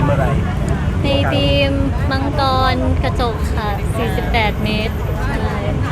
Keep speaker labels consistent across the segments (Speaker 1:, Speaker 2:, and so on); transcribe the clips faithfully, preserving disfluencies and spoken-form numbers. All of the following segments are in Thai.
Speaker 1: มอะไร
Speaker 2: ในทีมมังกรกระจกค่ะสี่สิบแปดเมตรใช่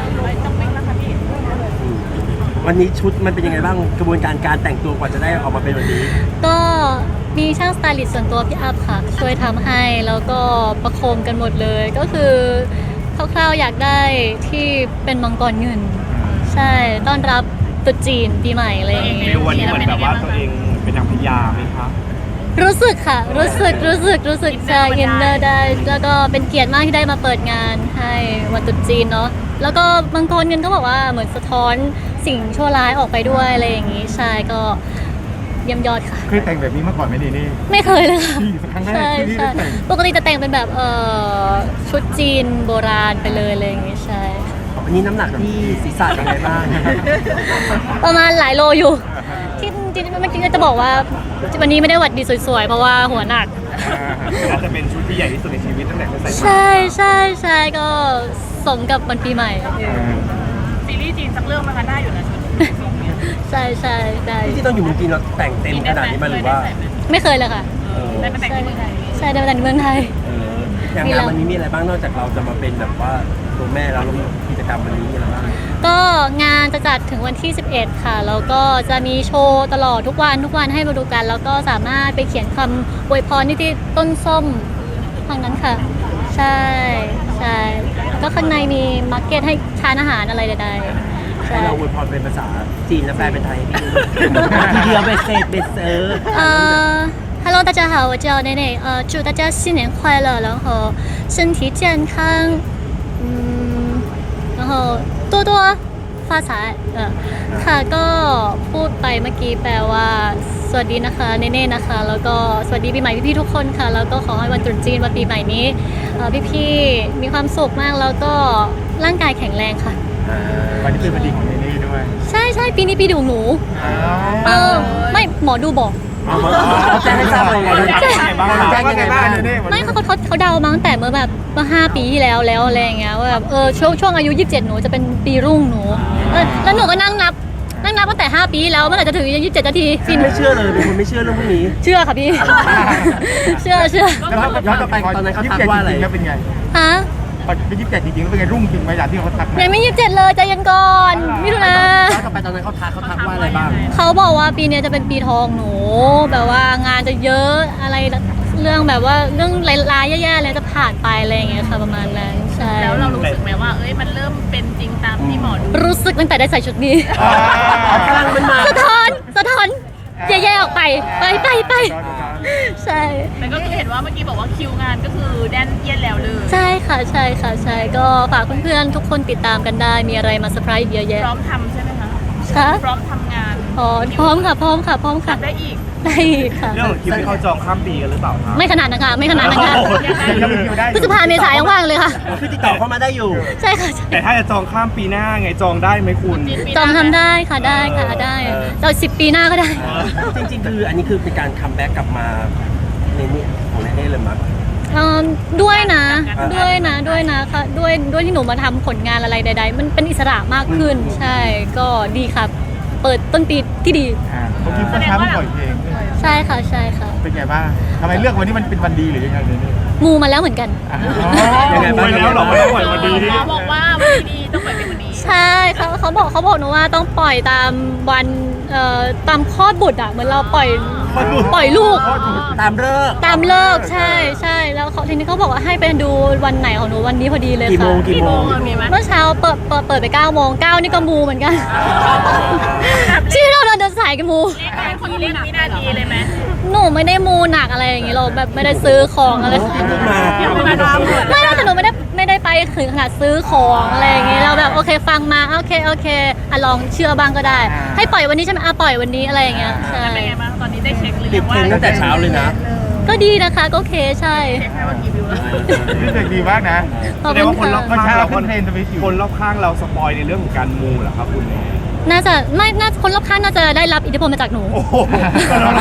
Speaker 1: วันนี้ชุดมันเป็นยังไงบ้างกระบวนการการแต่งตัวกว่าจะได้ออกมาเป็นวันนี้
Speaker 2: ก็มีช่างสไตลิสต์ส่วนตัวพี่อัพค่ะช่วยทำให้แล้วก็ประโคมกันหมดเลยก็คือคร่าวๆอยากได้ที่เป็นมังกรเงินใช่ต้อนรับตรุษจีนปีใหม่อะไรอย่างเงี้ย
Speaker 3: วันนี้เหมือนแบบว่าตัวเองเป็นนางพญาไหมคะ
Speaker 2: รู้สึกค่ะรู้สึกรู้สึกรู้สึกจะอินเนอร์ได้แล้วก็เป็นเกียรติมากที่ได้มาเปิดงานให้วันตรุษจีนเนาะแล้วก็มังกรเงินก็บอกว่าเหมือนสะท้อนสิ่งชั่วร้ายออกไปด้วยอะไรอย่างงี้ใช่ก็เยี่ยมยอดค่ะ
Speaker 4: เคยแต่งแบบนี้มาก่อนไหมนี่นี่
Speaker 2: ไม่เคยเลยค่ะ
Speaker 4: ครั้งแรกที่
Speaker 2: ใช่
Speaker 4: ได้แต่ง
Speaker 2: ปกติจะแต่งเป็นแบบเอ่อชุดจีนโบราณไปเลยอะไรอย่างงี้ใช่
Speaker 1: วันนี้น้ำหนักที่ศีรษะเป็นไงบ้าง
Speaker 2: ประมาณหลายโลอยู่ที่จริงๆไม่จริงก็จะบอกว่าวันนี้ไม่ได้หวัดดีสวยๆเพราะว่าหัวหนัก
Speaker 3: อาจจะเป็นชุดที่ใหญ่ที่สุดในชีวิตตั้งแต่เคยใส่
Speaker 2: ใช่ใช่ใช่ก็สมกับวันปีใหม่
Speaker 5: ซีรีส์จีนสักเรื่องมันก็ได้อยู่นะชุด
Speaker 2: ใช่ใช่ได้
Speaker 1: ที่ต้องอยู่เมืองจีนเราแต่งเต็มขนาดนี้มาหรือว่า
Speaker 2: ไม่เคยเลยค่ะ
Speaker 5: ได้มาแต่งที่เมืองไทย
Speaker 2: ใช่ได้มาแต่งที่เมืองไทย
Speaker 1: อย่างงานวันนี้มีอะไรบ้างนอกจากเราจะมาเป็นแบบว่าตัวแม่แล้วกิจกรรมวันนี้อะไรบ้าง
Speaker 2: ก็งานจะจัดถึงวันที่สิบเอ็ดค่ะแล้วก็จะมีโชว์ตลอดทุกวันทุกวันให้มาดูกันแล้วก็สามารถไปเขียนคำอวยพรที่ต้นส้มทางนั้นค่ะใช่ใช่ก็ข้างในมีมาร์เก็ตให้ทานอาหารอะไรใดๆ
Speaker 1: ให้เราอวยพรเป็นภาษาจีนและแปลเป็นไทยทีเดียวเบสเซตเบสเซอร์
Speaker 2: เอ่อHello， 大家好，我叫奈奈。呃，祝大家新年快乐，然后身体健康，嗯，然后多多发财。เออค่ะก็พูดไปเมื่อกี้แปลว่าสวัสดีนะคะเนเน่นะคะแล้วก็สวัสดีปีใหม่พี่ๆทุกคนค่ะแล้วก็ขอให้วันตรุษจีนวันปีใหม่นี้พี่ๆมีความสุขมากแล้วก็ร่างกายแข็งแรงค่ะ
Speaker 4: วันนี้เป็นวันดีของเนเน่ด้วย
Speaker 2: ใช่ใช่ปีนี้ปีดูหนูเออไม่หมอดูบอก
Speaker 1: แจ้งให้ทราบเลย
Speaker 4: แจ้งยังไงบ้างแจ้งยังไงบ้าง
Speaker 2: ไม่เขาเขาเขาเดามาตั้งแต่เมื่อแบบเมื่อห้าปีที่แล้วแล้วอะไรอย่างเงี้ยว่าแบบเออช่วงช่วงอายุยี่สิบเจ็ดหนูจะเป็นปีรุ่งหนูแล้วหนูก็นั่งนับนั่งนับตั้งแต่ห้าปีแล้วเมื่อไหร่จะถึงยี่สิบเจ็ดนาที
Speaker 1: ไม่เชื่อเลยเป็นคนไม่เชื่อเรื่องพวกนี้
Speaker 2: เชื่อค่ะพี่เชื่อเชื่อ
Speaker 1: แล้วย้อนกลับไปตอนนั้นเขาทักว่าอะไร
Speaker 4: เป็นไง
Speaker 2: ฮะ
Speaker 4: เป็นยี่สิบเจ็ดจริงๆเป็นไงรุ่งจริงไหมอย่างที่เขาทัก
Speaker 2: ยังไม่ยี่สิบเจ็ดเลยใจเย็นก่อนมิถุนา
Speaker 1: ย้อนกลับไปตอนนั้นเขาทักเขาทักว่าอะไรบ้าง
Speaker 2: เขาบอกว่าปีนี้จะเป็นปีทองหนูแบบว่างานจะเยอะอะไรเรื่องแบบว่าเรื่องร้ายๆแย่ๆเลยจะผ่านไปอะไรอย่างเงี้ยค่ะประมาณนั้นใช่
Speaker 5: แล้วเรารู้สึกไหมว่าเอ้ยมันเริ่มเป็นจริงตามที่หมอดู
Speaker 2: รู้สึกตั้งแต่ได้ใส่ชุดนี้
Speaker 1: พลังมันมา
Speaker 2: สะท้อนสะท้อนแย่ๆออกไปไปไปไปใช่
Speaker 5: แต่ก็เห็นว่าเมื่อกี้บอกว่าคิวงานก็คือแดนเย็นแล้วเลย
Speaker 2: ใช่ค่ะใช่ค่ะใช่ก็ฝากเพื่อนๆทุกคนติดตามกันได้มีอะไรมาเซอร์ไพรส์เยอะแยะ
Speaker 5: พร้อมทำใช่ไหมคะ
Speaker 2: ค่ะ
Speaker 5: พร้อมทำงาน
Speaker 2: พร้อมพร้อมค่ะพร้อมค่ะพร้อมค่ะ
Speaker 5: ได้อีก
Speaker 2: ได้อีกค่ะ
Speaker 3: เรื่องคิวที่เขาจองข้ามปีกันหรือเปล่า
Speaker 2: ไม่ขนาดนั้นค่ะไม่ขนาดนั้นค่ะพฤษภาเมษายนว่างเลยค่ะ
Speaker 1: คือติดต่อเข้ามาได้อยู่
Speaker 2: ใช่ค่ะ
Speaker 3: แต่ถ้าจะจองข้ามปีหน้าไงจองได้ไหมคุณ
Speaker 2: จองทำได้ค่ะได้ค่ะได้จองสิบปีหน้าก็ได้
Speaker 1: จริงๆคืออันนี้คือเป็นการคัมแบ็กกลับมาในนี้ของเนเน่เลยมั้ง
Speaker 2: ด้วยนะด้วยนะด้วยนะค่ะด้วยด้วยที่หนูมาทำผลงานอะไรใดๆมันเป็นอิสระมากขึ้นใช่ก็ดีครับเปิดต้นปีที่ดี
Speaker 4: เมื่อกี้ก็ช้าปล่อยเพลง
Speaker 2: ใช่ค่ะใช่ค่ะ
Speaker 4: เป็นไงบ้างทำไมเลือกวันนี้มันเป็นวันดีหรือยังไงเนี่ย
Speaker 2: มูมาแล้วเหมือนกัน
Speaker 3: ยังไงบ้างแล้วหรอไม่ต้องปล่อยวันดี
Speaker 5: หมอบอกว่าวันดีต้องปล่อยเป็นวันดี
Speaker 2: ใช่เขาเขาบอกเขาบอกหนูว่าต้องปล่อยตามวันเอ่อตามคลอดบุตรอ่ะเหมือนเราปล่อยปล่อยลูก
Speaker 1: ตามเลิก
Speaker 2: ตามเลิกใช่ใช่แล้วเขาทีนี้เขาบอกว่าให้ไปดูวันไหนของหนูวันนี้พอดีเลยค่ะ
Speaker 1: กี่โมงกี่โมง
Speaker 2: เมื่อเช้าเปิดเปิดไปเก้าโมงเก้านี่ก็มูเหมือนกันที่เราเดินสายกันมู
Speaker 5: เป็นคนเล่นวินาทีเลยไหม
Speaker 2: หนูไม่ได้มูหนักอะไรอย่างงี้เราแบบไม่ได้ซื้อของอะไรไม่ได้แต่หนูไม่ได้ไม่ได้ไปถึงขนาดซื้อของอะไรอย่างงี้เราแบบโอเคฟังมาโอเคโอเคอ่ะลองเชื่อบ้างก็ได้ให้ปล่อยวันนี้ใช่ไหมอ่ะปล่อยวันนี้อะไรอย่างเงี้ยใช่
Speaker 5: เป็นไงบ้างตอนนี้ได้เช็คหรือ
Speaker 1: ยังว่าตั้งแต่เช้าเลยนะ
Speaker 2: ก็ดีนะคะก็โอเคใช่
Speaker 5: เช็คให้ว่ากี่วิวแล้ว
Speaker 4: นี่เด็กดีมากนะ
Speaker 2: แสดงว่า
Speaker 3: คนรอบข้างเราคนคนรอบข้างเราสปอยในเรื่องของการมูเหรอครับคุณ
Speaker 2: น่าจะไม่น่าคนรอบข้างน่าจะได้รับอิทธิพลมาจากหนู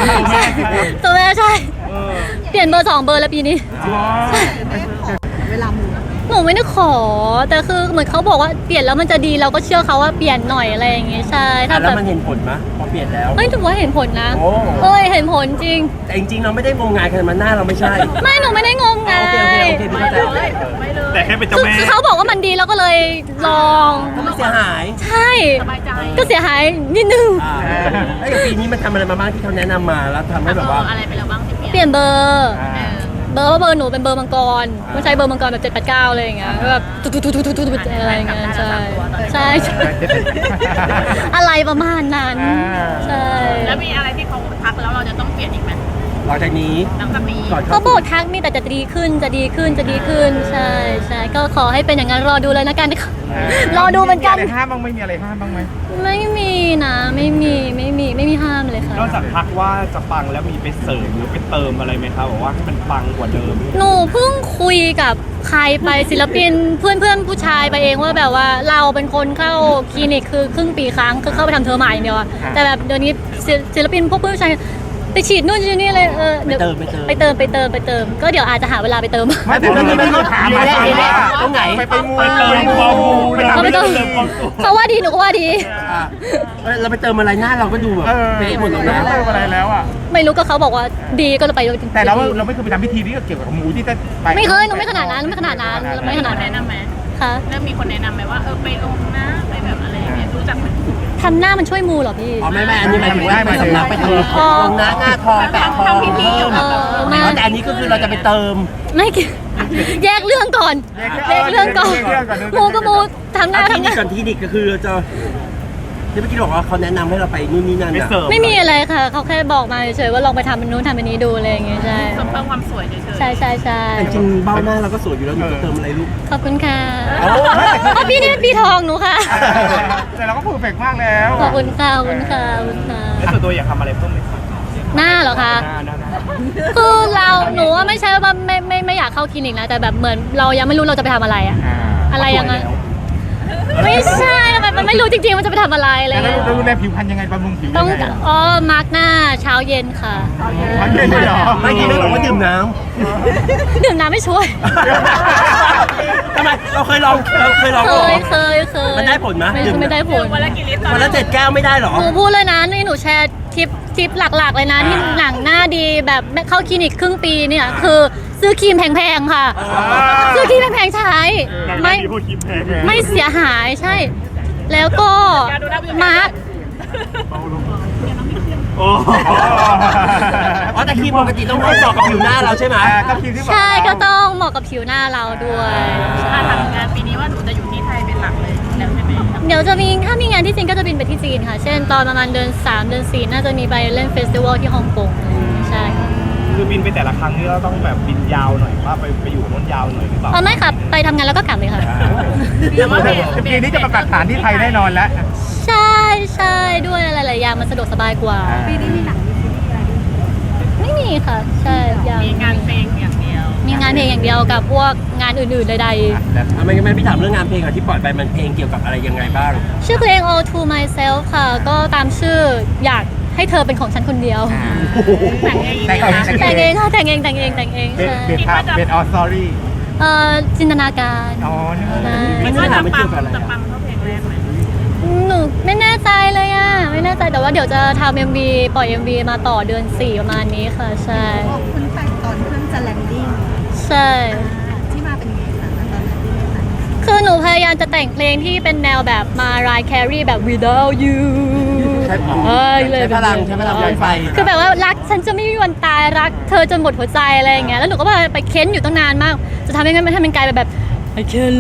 Speaker 2: ตัวแม่ใช่เปลี่ยนเบอร์สองเบอร์แล้วปีนี้
Speaker 5: เวลามู
Speaker 2: หนูไม่ได้ขอแต่คือเหมือนเขาบอกว่าเปลี่ยนแล้วมันจะดีเราก็เชื่อเขาว่าเปลี่ยนหน่อยอะไรอย่างงี้ใช่ถ้าแบ
Speaker 1: แล้ว
Speaker 2: บ
Speaker 1: มันเห็นผลไหมพอเปลี่ยนแล้ว
Speaker 2: เฮ้ยถือว่าเห็นผลนะ
Speaker 1: โอ้
Speaker 2: เอ้ยเห็นผลจริง
Speaker 1: แต่จริงๆเราไม่ได้งมงายขนาดนั้นหน้าเราไม่ใช่
Speaker 2: ไม่หนูไม่ได้งมงา
Speaker 1: โอเคโอเค
Speaker 2: ย
Speaker 1: โอเคพี่
Speaker 5: ไม่
Speaker 1: เข้าใจ
Speaker 5: เลยไม่เลย
Speaker 3: แต่แค่เป็นเจ้า
Speaker 2: คือ
Speaker 3: แม่
Speaker 2: คือเขาบอกว่ามันดีเราก็เลยลอง
Speaker 1: ก็ไม่เสียหาย
Speaker 2: ใช่
Speaker 5: สบายใจ
Speaker 2: ก็เสียหายนิดนึง
Speaker 1: อ่าแล้วอย่างปีนี้มันทำอะไรมาบ้างที่เขาแนะนำมาแล้วทำให้แบบว่า
Speaker 5: เอออะไรไปแล้วบ้างที่เป
Speaker 2: เป
Speaker 5: ลี่
Speaker 2: ลี่
Speaker 5: ยน
Speaker 2: ยนเบอร์
Speaker 4: อ่า
Speaker 2: เบอร์ว่าเบอร์หนูเป็นเบอร์มังกรไม่ใช่เบอร์มังกรแบบเจ็ดแปดเก้าอะไรอย่างเงี้ยแบบตุ๊ดตุ๊ดตุ๊ดตุ๊ดตุ๊ดอะไรอย่างเงี้ยใช่ใช่ใช่อะไรประมาณนั้นใช่
Speaker 5: แล้วมีอะไรที่เขาทักแล้วเราจะต้องเปลี่ยนอีกไหม
Speaker 1: หลังจากนี้
Speaker 5: หลังจากนี้
Speaker 1: ก่อน
Speaker 2: เขาบอกทักมีแต่จะดีขึ้นจะดีขึ้นจะดีขึ้นใช่ใช่ก็ขอให้เป็นอย่างนั้นรอดูเลยนะกันรอดูเหมือนกัน
Speaker 4: มีอะไรห้ามบ้างไหมมีอะไรห้ามบ้างไหม
Speaker 2: ไม่มีนะไม่มีไม่มีไม่มีห้ามเลยค่ะ
Speaker 3: นอกจากทักว่าจะปังแล้วมีไปเสริมหรือไปเติมอะไรไหมครับบอกว่าให้มันปังกว่าเดิม
Speaker 2: หนูเพิ่งคุยกับใครไปศิลปินเพื่อนเพื่อนๆผู้ชายไปเองว่าแบบว่าเราเป็นคนเข้าคลินิกคือครึ่งปีครั้งคือเข้าไปทำเทอมใหม่อย่างเดียวอะแต่แบบเดี๋ยวนี้ศิศิลปินพวกเพื่อนผู้ชายไปฉีดนู่นฉีดนี่เลยเออ
Speaker 1: ไป
Speaker 2: เดี๋ยว
Speaker 1: เติมไปเติม
Speaker 2: ไปเติมไปเติมไปเติมก็เดี๋ยวอาจจะหาเวลาไปเติม
Speaker 4: ไม่แต่เรื่องนี้ไม่ต้องถามมา
Speaker 1: เอ๊ะ
Speaker 4: ถาม
Speaker 1: เอ๊ะ
Speaker 4: ว่า
Speaker 1: ตรงไหน
Speaker 4: ไปไปมู
Speaker 3: ไปเติมความมู
Speaker 4: ไป
Speaker 3: นะ
Speaker 4: ทำ
Speaker 2: ไม่
Speaker 4: ไม่
Speaker 2: ต้
Speaker 4: ต้
Speaker 2: อ
Speaker 4: อง ง
Speaker 2: เขาว่าดีหนูก็ว่าดี
Speaker 1: อ่ะเอ้ยเราไปเติมอะไรหน้าเราก็ดูแบบ
Speaker 4: เออ
Speaker 1: เป๊ะหมดเลย
Speaker 4: ไม่
Speaker 1: นะ
Speaker 4: ต้องอะไรแล้วอ่ะ
Speaker 2: ไม่รู้ก็เขาบอกว่าดีก็เลยไปเลย
Speaker 4: แต่เราเราไม่เคยไปทำพิธีที่เกี่ยวกับหมูที่จะไป
Speaker 2: ไม่เคยหนูไม่ขนาดนั้นไม่ขนาดนั้นไม่
Speaker 5: มี
Speaker 2: ข
Speaker 5: ค
Speaker 2: นาด
Speaker 5: น
Speaker 2: นั้
Speaker 5: แนะ
Speaker 2: น
Speaker 5: นำไหม
Speaker 2: ค่ะ
Speaker 5: เริ่มมีคนแนะนำไหมว่าเออไปลงนะไปแบบอะไรอย่างเงี้ยรู้จักไหม
Speaker 2: ทำหน้ามันช่วยมูเหรอพี่
Speaker 1: อ๋อไม่ไม่อันนี้หมายถึงว่าไปสำนักไปทำ
Speaker 2: อ๋อ
Speaker 1: ลงหน้าหน้าทองแปะทอง
Speaker 5: ทำพิธีอยู่
Speaker 2: เออไม่
Speaker 1: อ๋อแต่อันนี้ก็คือเราจะไปเติม
Speaker 2: ไม่เกี่ยวแยกเรื่องก่อนแยกเรื่องก่อนมูก็มูทำหน้า
Speaker 1: เอาคลิ
Speaker 2: ทำห
Speaker 1: นิก
Speaker 2: น้า
Speaker 1: ก่อนคลินิกก็คือเราจะที่เมื่อกี้บอกว่าเขาแนะนำให้เราไปนู่นนี่นั่น
Speaker 3: ไป
Speaker 1: อ่ะ
Speaker 3: เสริม
Speaker 2: ไม่มีอะไรค่ะ เขาแค่บอกมาเฉยๆว่าลองไปทำเป็นนู้นทำเป็นนี้ดูอะไรอย่างเงี้ยใช่
Speaker 5: เสริมเพิ่มความสวยเฉยๆ
Speaker 2: ใช่ใช่ใช่
Speaker 1: แต่จริงๆเบ้าหน้าเราก็สวยอยู่แล้วหนูจะเติมอะไรลูก
Speaker 2: ขอบคุณค่ะ
Speaker 1: โอ้
Speaker 2: อ๋อพี่นี่ปีทองหนูค่ะ
Speaker 4: แต่เราก็เพอร์เฟกต์มากแล้ว
Speaker 2: ขอบคุณค่ะขอบคุณค่ะขอบคุณค่ะ
Speaker 3: แล้วส่วนตัวอยากทำอะไรเพิ่มไหมครับ
Speaker 2: หน้าเหรอคะ
Speaker 3: หน้าหน้าหน้า
Speaker 2: คือเราหนูว่าไม่ใช่ว่าไม่ไม่ไม่อยากเข้าคลินิกนะแต่แบบเหมือนเรายังไม่รู้เราจะไปทำอะไรอะอะไรยังไงไม่ใช่แบบมันไม่รู้จริงๆว่าจะไปทำอะไรอะไร
Speaker 4: แต่เรา
Speaker 2: เงี้ย
Speaker 4: เราดูแลผิวพรรณยังไงบำรุงผิว
Speaker 2: ต้อง
Speaker 4: ยังไง
Speaker 2: อ๋อมาร์กหน้าเช้าเย็นค่ะ
Speaker 4: มันเย็นเลยเหรอ
Speaker 1: ไม่กินไม่บอกว่าดื่มน้
Speaker 2: ดื่มน้ำไม่ช่วย
Speaker 1: ำทำไมเราเคยลองเราเคยลอง
Speaker 2: เค
Speaker 1: เหรอย
Speaker 2: เคยเคย
Speaker 1: มันได้ผลไหม
Speaker 2: ไม่
Speaker 1: ดื่ม
Speaker 2: ไม่ได้ผล
Speaker 5: วันละกี่ลิตรตอน
Speaker 1: วัน
Speaker 5: นั้
Speaker 1: ละ
Speaker 5: น
Speaker 1: เจ็ดแก้วไม่ได้เหรอ
Speaker 2: หนูพูดเลยนะนี่หนูแชร์ทิปทิปหลักๆเลยนะที่หนังหน้าดีแบบเข้าคลินิกครึ่งปีเนี่ยคือซื้อครีมแพงๆค่ะ ซื้อครีมแพงๆใช้ไม่
Speaker 3: มีพวกคิมแพง
Speaker 2: ไม่เสียหายใช่ แล้วก็มาร์ก
Speaker 3: โอ้
Speaker 1: อ๋อแต่ครีมปกติต้องให้เหมาะกับผิวหน้าเราใช่ไหม
Speaker 4: อ่าต้องคิดที่บอก
Speaker 2: ใช่ก็ต้องเหมาะกับผิวหน้าเราด้วย
Speaker 5: ถ้าทำงานปีนี้ว่าหนูจะอยู่ที่ไทยเป็นหลักเลยแล้วใช่ไหม
Speaker 2: เดี๋ยวจะมีถ้ามีงานที่จีนก็จะบินไปที่จีนค่ะ เช่นตอนประมาณเดือนสามเดือนสี่น่าจะมีไปเล่นเฟสติวัลที่ฮ่องกงใช่ค่ะ
Speaker 3: คือบินไปแต่ละครั้งนี่เราต้องแบบบินยาวหน่อยว่าไปไปอยู่โน้นยาวหน่อยหรือเปล่า
Speaker 2: อ๋อไม่ค่ะไปทำงานแล้วก็กลับเลยค่ะ
Speaker 5: แต่ว่าเบส
Speaker 4: จะปีนี้จะประกาศฐานที่ไทยแน่นอนแล้ว
Speaker 2: ใช่ใช่ด้วยอะไรหลายอย่างมันสะดวกสบายกว่า
Speaker 4: ปีนี้มีหนัง
Speaker 2: ไม่มีค่ะ ใช่ยัง
Speaker 5: มีงานเพลงอย่างเดียว
Speaker 2: มีงานเพลงอย่างเดียวกับพวกงานอื่นๆใด
Speaker 1: อ่ะไม่ไม่พี่ถามเรื่องงานเพลงอะที่ปล่อยไปมันเพลงเกี่ยวกับอะไรยังไงบ้าง
Speaker 2: ๆ ชื่อเพลง All to Myself ค่ะ ก็ตามชื่ออยากให้เธอเป็นของฉันคนเดียว
Speaker 5: แต่งเอง
Speaker 4: แต่งเอง
Speaker 2: แต่งเองค่ะแต่งเองแต่งเองแต่งเอง
Speaker 4: เป็น
Speaker 2: ใช่
Speaker 4: เป็นครับเป็นออสตอรี่
Speaker 2: เอ่อจินตนาการ
Speaker 4: อ๋อนี่
Speaker 2: ใช่
Speaker 1: ไม่
Speaker 5: คิด
Speaker 1: ใช่
Speaker 5: ว่า
Speaker 1: ถาม
Speaker 5: จะ
Speaker 1: มัน
Speaker 5: ปั
Speaker 1: เกี่
Speaker 5: ง
Speaker 1: ยวกับอะไร
Speaker 5: จะปั
Speaker 1: อะ
Speaker 5: งเท่าเพลงแรกไหม
Speaker 2: หนูไม่แน่ใจเลยอ่ะไม่แน่ใจแต่ว่าเดี๋ยวจะทำ เอ็ม วี ปล่อย เอ็ม วี มาต่อเดือนสี่ประมาณนี้ค่ะใช่
Speaker 6: คุณแต่งตอนเครื่องจะแลนดิ้ง
Speaker 2: ใช่
Speaker 6: ที่มาเป็นไงคะตอนนั้นที่ไม่ทัน
Speaker 2: คือหนูพยายามจะแต่งเพลงที่เป็นแนวแบบมารายแครีแบบ without you
Speaker 1: ใช้
Speaker 2: เอ้ยเลย
Speaker 1: ใช้พลังใช้พลังไวไฟ
Speaker 2: คือแบบว่ารักฉันจะไม่มีวันตายรักเธอจนหมดหัวใจอะไรอย่างเงี้ยแล้วหนูก็ไปเค้นอยู่ตั้งนานมาก จะทำยังไงมันให้มันกลายเป็นแบบ I can't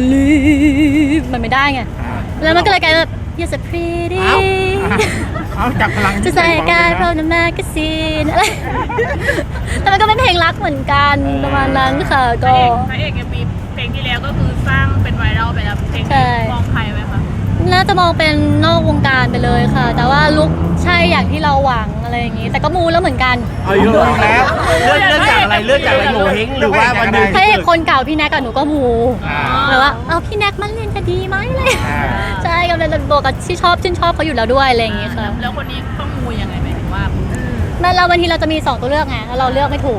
Speaker 2: live มันไม่ได้ไงแล้วมันก็เลยกลายเป็นแบบ you're so pretty
Speaker 1: เอ้า
Speaker 4: เอาจับพลัง
Speaker 2: จะใส่กายเพราะน้ำแมกกาซีนอะไรแต่มันก็เป็นเพลงรักเหมือนกันประมาณนั้นค่ะ
Speaker 5: พระ
Speaker 2: ก็
Speaker 5: เอกพระเอกยังมีเพลงที่แล้วก็คือสร้างเป็นไวรัลไปแล้วเพลง
Speaker 2: ใช่
Speaker 5: นี้มองใครไหมคะ
Speaker 2: น่าจะมองเป็นนอกวงการไปเลยค่ะ แต่ว่าลุกใช่อย่างที่เราหวังอะไรอย่างนี้ แต่ก็มูแล้วเหมือนกัน
Speaker 1: เอาอยู่แล้วเลื่อนเลื่อนจากอะไรเลื่อนจากอะไรโงเฮงหรือว่าวันหนึง
Speaker 2: พระเอกคนเก่าพี่แน็กกับหนูก็มู
Speaker 4: อ่า
Speaker 2: แบบว่าเอาพี่แน็กมันเล่นจะดีไหมเลย
Speaker 4: อ่า
Speaker 2: ใช่กำลังจะบอกกับที่ชอบชื่นชอบเขาอยู่แล้วด้วยอะไรอย่างนี้ค่ะ
Speaker 5: แล้วคนนี้ต้องมูยังไงหมายถึงว่า
Speaker 2: แม้เราบางทีเราจะมีสองตัวเลือกไงแล้วเราเลือกไม่ถูก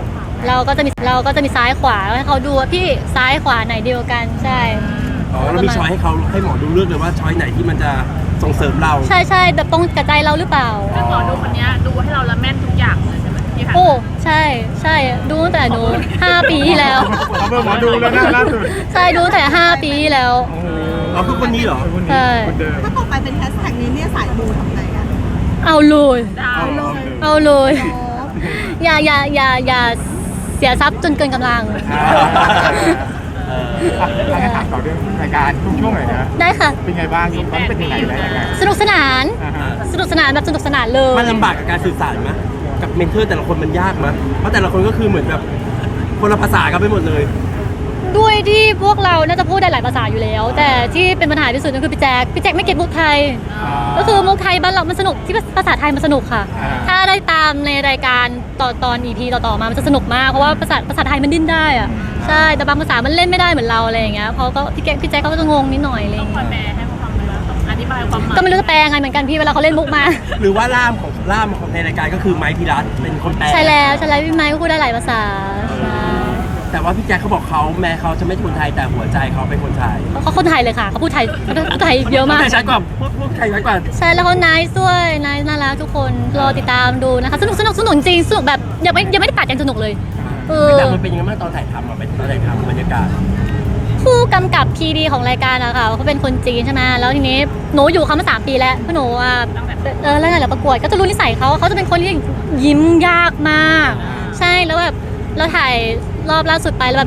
Speaker 2: เราก็จะมีเราก็จะมีซ้ายขวาให้เขาดูว่าพี่ซ้ายขวาไหนเดียวกันใช่
Speaker 1: อ๋อเรามีช้อยให้เขาให้หมอดูเลือกเลยว่าช้อยไหนที่มันจะส่งเสริมเรา
Speaker 2: ใช่ใช่แบบตรงกับใจเราหรือเปล่า
Speaker 5: ซึ่งหมอดูคนเนี้ยดูให้เราละแม่นทุกอย่างเลยใช่ไหมที่ผ่าน
Speaker 2: โอ้ใช่ใช่ดูตั้งแต่หนูห้าปีที่แล้ว
Speaker 4: เขาเบอร์หมอดูแล้วนะล่าสุด
Speaker 2: ใช่ดูตั้งแต่ห้าปีที่แล้ว
Speaker 1: อ๋อคือคนนี้เหรอ
Speaker 4: คน
Speaker 2: ใช่
Speaker 4: นี้คนเดิม
Speaker 6: ถ้าต่อไปเป็นแฮชแท็กนี้เนี่ยสายมูทำไงอะ
Speaker 2: เอาเลย
Speaker 5: ดาว
Speaker 2: เอาเลยอย่าอย่าอย่าอย่าเสียทรัพย์จนเกินกำลัง
Speaker 1: เออ
Speaker 4: อ่ะเราจะถามต่อเรื่องรายการทุกช่วงหน่อยนะ
Speaker 2: ได้ค่ะ
Speaker 4: เป็นไงบ้างตอนนี้เป็นยังไงแล้วยังไง
Speaker 2: สนุกสนาน
Speaker 4: อ่าฮะ
Speaker 2: สนุกสนานแบบสนุกสนานเลย
Speaker 1: มันลำบากกับการสื่อสารไหมกับเมนเทอร์แต่ละคนมันยากไหมเพราะแต่ละคนก็คือเหมือนแบบคนละภาษากันไปหมดเลย
Speaker 2: ด้วยที่พวกเราน่าจะพูดได้หลายภาษาอยู่แล้ว แต่ที่เป็นปัญหาที่สุดก็คือพี่แจ๊คพี่แจ๊คไม่เก็ตมุกไทย ก็คือมุกไทยบ้านเรามันสนุกที่ภาษาไทยมันสนุกค่ะ
Speaker 4: อ่า
Speaker 2: ถ้าได้ตามในรายการต่อตอน อี พี ต่อๆมามันจะสนุกมากเพราะว่าภาษาภาษาไทยมันดิ้นได้อะใช่แต่บางภาษามันเล่นไม่ได้เหมือนเราอะไรอย่างเงี้ยเพราะก็พี่แจ๊คพี่แจ๊คเขาก็จะงงนิดหน่อยอะไรอ
Speaker 5: ต้อย่าง
Speaker 2: ง
Speaker 5: คอย
Speaker 2: เงี้ย
Speaker 5: แปลให้เขาฟังเลยว่าต้องอธิบายความหมาย
Speaker 2: ก็ไม่รู้จะแปลยังไงเหมือนกันพี่เวลาเขาเล่นมุกมา
Speaker 1: หรือว่าล่ามของล่ามของในรายการก็คือไมค์พิรัตเป็นคนแปล
Speaker 2: ใช่แล้วใช่แล้วพี่ไมค์ก็พูดได้หลายภาษาใช่
Speaker 1: แต่ว่าพี่แจ็คเขาบอกเขาแม้เขาจะไม่ใช่คนไทยแต่หัวใจเขาเป็นคนไทย
Speaker 2: เขาคนไทยเลยค่ะเขาพูดไทยเขาพูดไทยเยอะมาก
Speaker 1: แต่ชัดกว่าพูดพูดไทยชัดกว่า
Speaker 2: ใช่แล้วเขาไนซ์ด้วยไนซ์น่ารักทุกคนรอติดตามดูนะคะสนุกสนุกสนุกจริงสนุกแบบยังไม่ยังไม่ได้ตัดยังสนุกเลยเออ
Speaker 1: แต่มันเป็นยังไงบ้างตอนถ่ายทำอ่ะเป็นตอนถ่ายทำบรรยากาศ
Speaker 2: ผู้กำกับพีดีของรายการอะค่ะเขาเป็นคนจีนใช่ไหมแล้วทีนี้หนูอยู่เขามาสามปีแล้วเพราะหนูอ่ะเออแล้วไงเราประกวดก็จะรู้นิสัยเขาเขาจะเป็นคนที่ยิ้มยากมาก ใช่แล้วแบบเราถ่ายรอบล่าสุดไปแล้วแบบ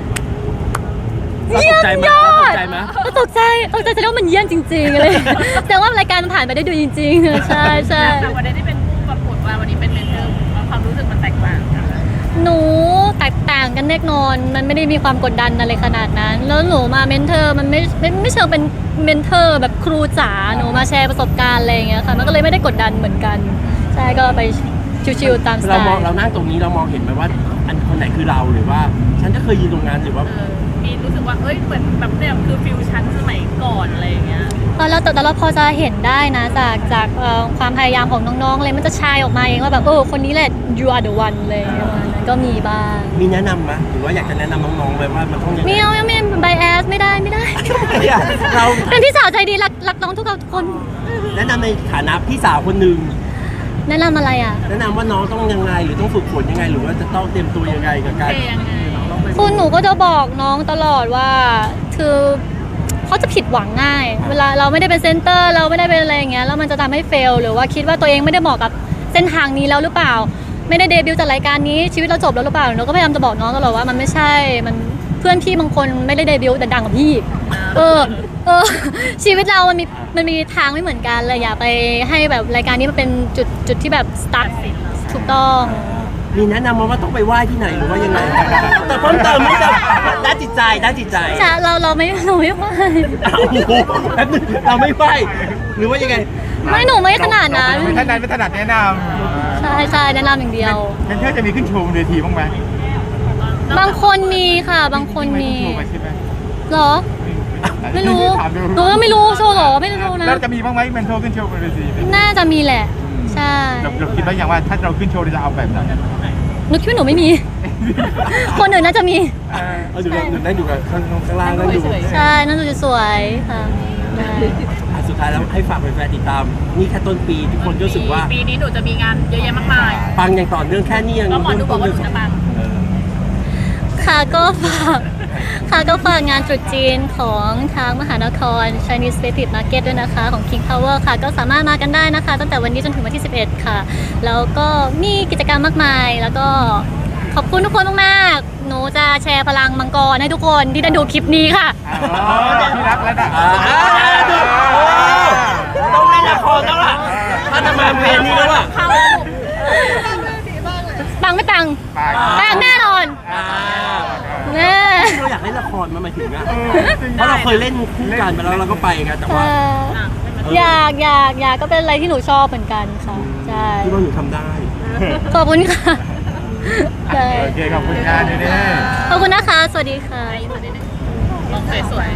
Speaker 1: เราตกใจไหม
Speaker 2: เยี่ยมยอ
Speaker 1: เราต
Speaker 2: ด
Speaker 1: กใจไหม
Speaker 2: เราตกใจตกใจแสดงว่ามันเยี่ยมจริงๆเลยแสดงว่ารายการมันผ่านไปได้ดูจริงๆใช่ใช่
Speaker 5: แต่วันนี้ที่เป็นผู้ประกวดว่าวันนี้เป็นเมนเทอร์ความรู้สึกมันแตกต่างกัน
Speaker 2: หนูแตกต่างกันแน่นอนมันไม่ได้มีความกดดันอะไรขนาดนั้น แล้วหนูมาเมนเทอร์มันไม่ไม่ไม่เชิงเป็นเมนเทอร์แบบครูจ๋าหนูมาแชร์ประสบการณ์อะไรอย่างเงี้ยค่ะมันก็เลยไม่ได้กดดันเหมือนกันใช่ก็ไปชิวๆตามสไต
Speaker 1: เรามอง
Speaker 2: ล์
Speaker 1: เรานั่งตรงนี้เรามองเห็นไหมว่าอันคนไหนคือเราหรือว่า ฉันจะเคยยืนตรงนั้นหรือว่า
Speaker 5: เออมีรู้สึกว่าเอ้ยเหมือนแบบเนี่ยคือฟิวชั่นสมัยก่อนอะไรอย่างเงี้ย
Speaker 2: พอเราแต่แต่เราพอจะเห็นได้นะจากจากเอ่อความพยายามของน้องๆเลยมันจะชายออกมาเองว่าแบบเออคนนี้แหละ you are the one เลยประมาณนั้นก็มีบ้าง
Speaker 1: มีแนะนำไหมหรือว่าอยากจะแนะนำน้องๆไปว่ามันต้องยังไง
Speaker 2: ไม่เอาไม่ไบแอสไม่ได้ไม่ได้
Speaker 1: เรา
Speaker 2: เป็นพี่สาวใจดีรักรักน้องทุกคน
Speaker 1: แนะนำในฐานะพี่สาวคนหนึ่ง
Speaker 2: แนะนำอะไรอ่ะ
Speaker 1: แนะนำว่าน้องต้องยังไงหรือต้องฝึกฝนยังไง หรือว่าจะต้องเตรียมตัวยังไงกับการ
Speaker 5: เพลงยังไง
Speaker 2: คุณหนูก็จะบอกน้องตลอดว่าคือเขาจะผิดหวังง่าย เวลาเราไม่ได้เป็นเซนเตอร์เราไม่ได้เป็นอะไรอย่างเงี้ยแล้วมันจะทำให้เฟลหรือว่าคิดว่าตัวเองไม่ได้เหมาะกับเส้นทางนี้แล้วหรือเปล่า ไม่ได้เดบิวต์จากรายการนี้ชีวิตเราจบแล้วหรือเปล่าหนูก็พยายามจะบอกน้องตลอดว่ามันไม่ใช่มันเพื่อนพี่บางคนไม่ได้เดบิวต์แต่ดังกว่าพี่เออเออ ชีวิตเรามันมีมันมีทางไม่เหมือนกันเลยอย่าไปให้แบบรายการนี้มันเป็นจุดจุดที่แบบสตาร์ทถูกต้อง
Speaker 1: มีแนะนำมาว่าต้องไปไหว้ที่ไหนหรือว่ายังไงแต่เพิ่มเติมไม่ได้ด้านจิตใจด้านจิตใจ
Speaker 2: ใช่เราเราไม่เราไม่ว่า
Speaker 1: อ้าวโอ้โหแป๊บนึงเราไม่ไหว้หรือว่ายังไง
Speaker 2: ไม่หนูไม่ขนาดนั้น
Speaker 4: ไม่ถนัดไม่ถนัดแนะน
Speaker 2: ใช่ใช่แนะนำอย่างเดียว
Speaker 4: ำเมนเทอร์จะมีขึ้นโชว์บนเวทีบ้างไหม
Speaker 2: บางคนมีค่ะ บางคนมี
Speaker 4: ไขึ้นโชว์ไปใช่ไหม
Speaker 2: เหรอ ไม่รู้
Speaker 4: ถามดู
Speaker 2: หนูก็ไม่รู้โชว์เหรอไม่รู้นะ
Speaker 4: แล้วจะมีบ้างไหมเมนเทอร์ขึ้นโชว์บนเวที
Speaker 2: น่าจะมีแหละ ใช่
Speaker 4: เราเราคิดว่าอย่างว่าถ้าเราขึ้นโชว์เราจะเอาแบบไหน
Speaker 2: หนูคิดว่าหนูไม่มี คนอื่นน่าจะมี
Speaker 1: เอาดูเราได้ดูกันข้างข้างล่างนั่งดู
Speaker 2: ใช่น่าจะสวยค่ะได้
Speaker 1: อ่ะสุดท้ายแล้วให้ฝากแฟนๆติดตาม นี่แค่ต้นปีทุกคนก็รู้สึกว่า
Speaker 5: ปีนี้หนูจะมีงานเยอะแยะมากมาย
Speaker 1: ปังอย่างต่อเนื่องแค่นี้ยัง
Speaker 5: ก็หมอดูบอกว่าหนู
Speaker 1: เริ่มต้น
Speaker 5: จะปัง
Speaker 1: เออ
Speaker 2: ค่ะก็ฝากค่ะก็ฝากงานตรุษจีนของทางมหานคร Chinese Creative Market ด้วยนะคะของ King Power ค่ะก็สามารถมากันได้นะคะ ตั้งแต่วันนี้จนถึงวันที่ สิบเอ็ด ค่ะ แล้วก็มีกิจกรรมมากมาย แล้วก็ขอบคุณทุกคนมากๆหนูจะแชร์พลังมังกรให้ทุกคนที่ได้ดูคลิปนี้ค่ะ
Speaker 4: อ๋อพี่รักแล้วนะ
Speaker 1: อ่าอ่าดูโอ้ต้องเล่นละครแล้วล่ะถ้าจะมาเพลงนี้แล้วอ่ะ
Speaker 2: ปังไม่ปัง
Speaker 4: ไป
Speaker 2: ปังแน่นอน
Speaker 1: อ่า
Speaker 2: แน่
Speaker 1: เราอยากเล่นละครมาหมายถึงอ่ะเพราะเราเคยเล่นคู่กันไปแล้วเราก็ไปกันแต่
Speaker 2: เอ
Speaker 1: ว่า
Speaker 2: ออยากอยากอยากก็เป็นอะไรที่หนูชอบเหมือนกันค่ะใช่
Speaker 1: คิดว่าหนูทำได้
Speaker 2: ขอบคุณค่ะใช่
Speaker 4: โอเคขอบคุณงานเน่
Speaker 2: ขอบคุณนะคะ สวัสดีค่ะ
Speaker 5: ลองสวย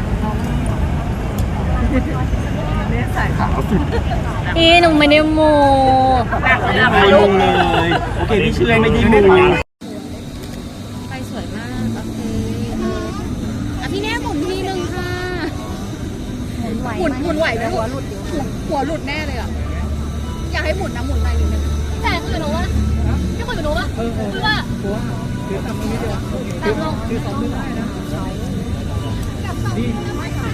Speaker 2: อีหนูไม่ได้โม
Speaker 5: ๆหนักเลยอะ
Speaker 1: ไม่ลงเลย โอเคพี่เชื่อไม่ได้มู
Speaker 2: อ่ะพี่แน่หมุนทีนึงค่ะ
Speaker 6: หมุนหมุนไหวไหมหัวหลุดหัวหลุดแน่เลยอ่ะอยากให้หมุนนะหมุนไปหนึ่ง
Speaker 2: แต่คือหนูว่าพี่คุยกับหนูว่าคือว่าตามลง